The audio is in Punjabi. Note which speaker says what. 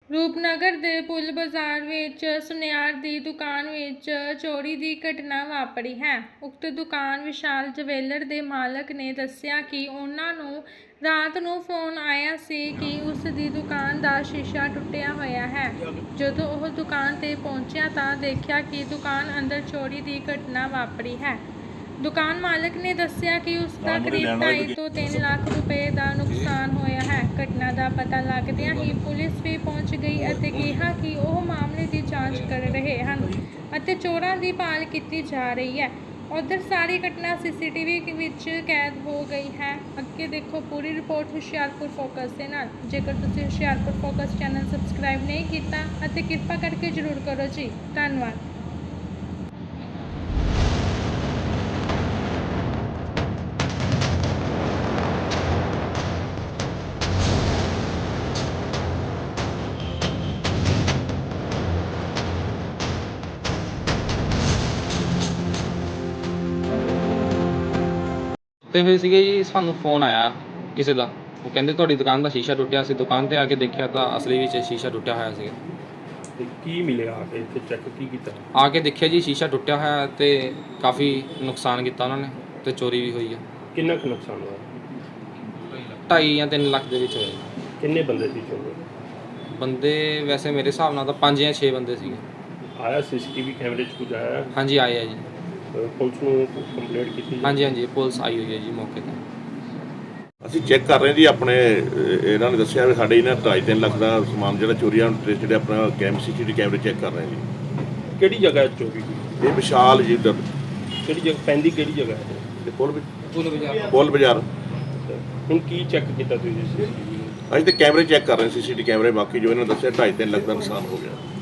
Speaker 1: ਰੂਪਨਗਰ ਦੇ ਪੁਲ ਬਾਜ਼ਾਰ ਵਿੱਚ ਸੁਨਿਆਰ ਦੀ ਦੁਕਾਨ ਵਿੱਚ ਚੋਰੀ ਦੀ ਘਟਨਾ ਵਾਪਰੀ ਹੈ। ਉਕਤ ਦੁਕਾਨ ਵਿਸ਼ਾਲ ਜਵੈਲਰ ਦੇ ਮਾਲਕ ਨੇ ਦੱਸਿਆ ਕਿ ਉਹਨਾਂ ਨੂੰ ਰਾਤ ਨੂੰ ਫੋਨ ਆਇਆ ਸੀ ਕਿ ਉਸ ਦੀ ਦੁਕਾਨ ਦਾ ਸ਼ੀਸ਼ਾ ਟੁੱਟਿਆ ਹੋਇਆ ਹੈ। ਜਦੋਂ ਉਹ ਦੁਕਾਨ ਤੇ ਪਹੁੰਚਿਆ ਤਾਂ ਦੇਖਿਆ ਕਿ ਦੁਕਾਨ ਅੰਦਰ ਚੋਰੀ ਦੀ ਘਟਨਾ ਵਾਪਰੀ ਹੈ। ਦੁਕਾਨ ਮਾਲਕ ਨੇ ਦੱਸਿਆ ਕਿ ਉਸ ਦਾ ਕਰੀਬ 2.5 ਤੋਂ 3 ਲੱਖ ਰੁਪਏ ਦਾ ਨੁਕਸਾਨ ਹੋਇਆ ਹੈ। ਘਟਨਾ ਦਾ ਪਤਾ ਲੱਗਦਿਆਂ ਹੀ ਪੁਲਿਸ ਵੀ ਪਹੁੰਚ ਗਈ ਅਤੇ ਕਿਹਾ ਕਿ ਉਹ ਮਾਮਲੇ ਦੀ ਜਾਂਚ ਕਰ ਰਹੇ ਹਨ ਅਤੇ ਚੋਰਾਂ ਦੀ ਭਾਲ ਕੀਤੀ ਜਾ ਰਹੀ ਹੈ। ਉਧਰ ਸਾਰੀ ਘਟਨਾ ਸੀਸੀਟੀਵੀ ਵਿੱਚ ਕੈਦ ਹੋ ਗਈ ਹੈ। ਅੱਗੇ ਦੇਖੋ ਪੂਰੀ ਰਿਪੋਰਟ ਹੁਸ਼ਿਆਰਪੁਰ ਫੋਕਸ ਦੇ ਨਾਲ। ਜੇਕਰ ਤੁਸੀਂ ਹੁਸ਼ਿਆਰਪੁਰ ਫੋਕਸ ਚੈਨਲ ਸਬਸਕ੍ਰਾਈਬ ਨਹੀਂ ਕੀਤਾ ਅਤੇ ਕਿਰਪਾ ਕਰਕੇ ਜ਼ਰੂਰ ਕਰੋ ਜੀ। ਧੰਨਵਾਦ।
Speaker 2: ਤੇ ਫਿਰ ਸੀਗੇ ਜੀ, ਸਾਨੂੰ ਫੋਨ ਆਇਆ ਕਿਸੇ ਦਾ। ਉਹ ਕਹਿੰਦੇ ਤੁਹਾਡੀ ਦੁਕਾਨ ਦਾ ਸ਼ੀਸ਼ਾ ਟੁੱਟਿਆ ਸੀ। ਦੁਕਾਨ ਤੇ ਆ ਕੇ ਦੇਖਿਆ ਤਾਂ ਅਸਲੀ ਵਿੱਚ ਸ਼ੀਸ਼ਾ ਟੁੱਟਿਆ ਹੋਇਆ ਸੀ।
Speaker 3: ਤੇ ਕੀ ਮਿਲਿਆ ਆ ਕੇ ਇੱਥੇ ਚੈੱਕ ਕੀ ਕੀਤਾ?
Speaker 2: ਆ ਕੇ ਦੇਖਿਆ ਜੀ ਸ਼ੀਸ਼ਾ ਟੁੱਟਿਆ ਹੋਇਆ ਤੇ ਕਾਫੀ ਨੁਕਸਾਨ ਕੀਤਾ ਉਹਨਾਂ ਨੇ ਤੇ ਚੋਰੀ ਵੀ ਹੋਈ ਆ।
Speaker 3: ਕਿੰਨਾ ਕੁ ਨੁਕਸਾਨ ਹੋਇਆ?
Speaker 2: 2.5 ਜਾਂ 3 ਲੱਖ ਦੇ ਵਿੱਚ ਹੋਏ।
Speaker 3: ਕਿੰਨੇ ਬੰਦੇ ਸੀ ਚੋਰ?
Speaker 2: ਬੰਦੇ ਵੈਸੇ ਮੇਰੇ ਹਿਸਾਬ ਨਾਲ ਤਾਂ 5 ਜਾਂ 6 ਬੰਦੇ ਸੀਗੇ।
Speaker 3: ਆਇਆ ਸੀਸੀਟੀਵੀ ਕੈਮਰੇ 'ਚ ਕੁਝ ਆਇਆ?
Speaker 2: ਹਾਂਜੀ ਆਏ ਆ ਜੀ।
Speaker 3: ਪੁਲਿਸ ਨੂੰ ਕੰਪਲੇਂਟ ਕੀਤੀ?
Speaker 2: ਹਾਂਜੀ ਪੁਲਿਸ ਆਈ ਹੋਈ ਹੈ ਜੀ ਮੌਕੇ ਤੇ।
Speaker 4: ਅਸੀਂ ਚੈੱਕ ਕਰ ਰਹੇ ਜੀ। ਆਪਣੇ ਇਹਨਾਂ ਨੇ ਦੱਸਿਆ ਵੀ ਸਾਡੇ ਇਹਨਾਂ 2.5-3 ਲੱਖ ਦਾ ਸਮਾਨ ਜਿਹੜਾ ਚੋਰੀਆਂ ਜਿਹੜੇ ਆਪਣਾ ਸੀਸੀਟੀਵੀ ਕੈਮਰੇ ਚੈੱਕ ਕਰ ਰਹੇ ਜੀ।
Speaker 3: ਕਿਹੜੀ ਜਗ੍ਹਾ ਚੋਰੀ ਹੋਈ?
Speaker 4: ਇਹ ਵਿਸ਼ਾਲ ਜੀ ਉੱਧਰ
Speaker 3: ਕਿਹੜੀ ਜਗ੍ਹਾ ਪੈਂਦੀ? ਕਿਹੜੀ ਜਗ੍ਹਾ ਹੈ?
Speaker 4: ਤੇ ਪੁਲ ਬਾਜ਼ਾਰ।
Speaker 3: ਹੁਣ ਕੀ ਚੈੱਕ ਕੀਤਾ ਤੁਸੀਂ ਸੀਸੀਟੀਵੀ?
Speaker 4: ਅਸੀਂ ਤੇ ਕੈਮਰੇ ਚੈੱਕ ਕਰ ਰਹੇ ਸੀਸੀਟੀਵੀ ਕੈਮਰੇ। ਬਾਕੀ ਜੋ ਇਹਨਾਂ ਨੇ ਦੱਸਿਆ 2.5-3 ਲੱਖ ਦਾ ਨੁਕਸਾਨ ਹੋ ਗਿਆ।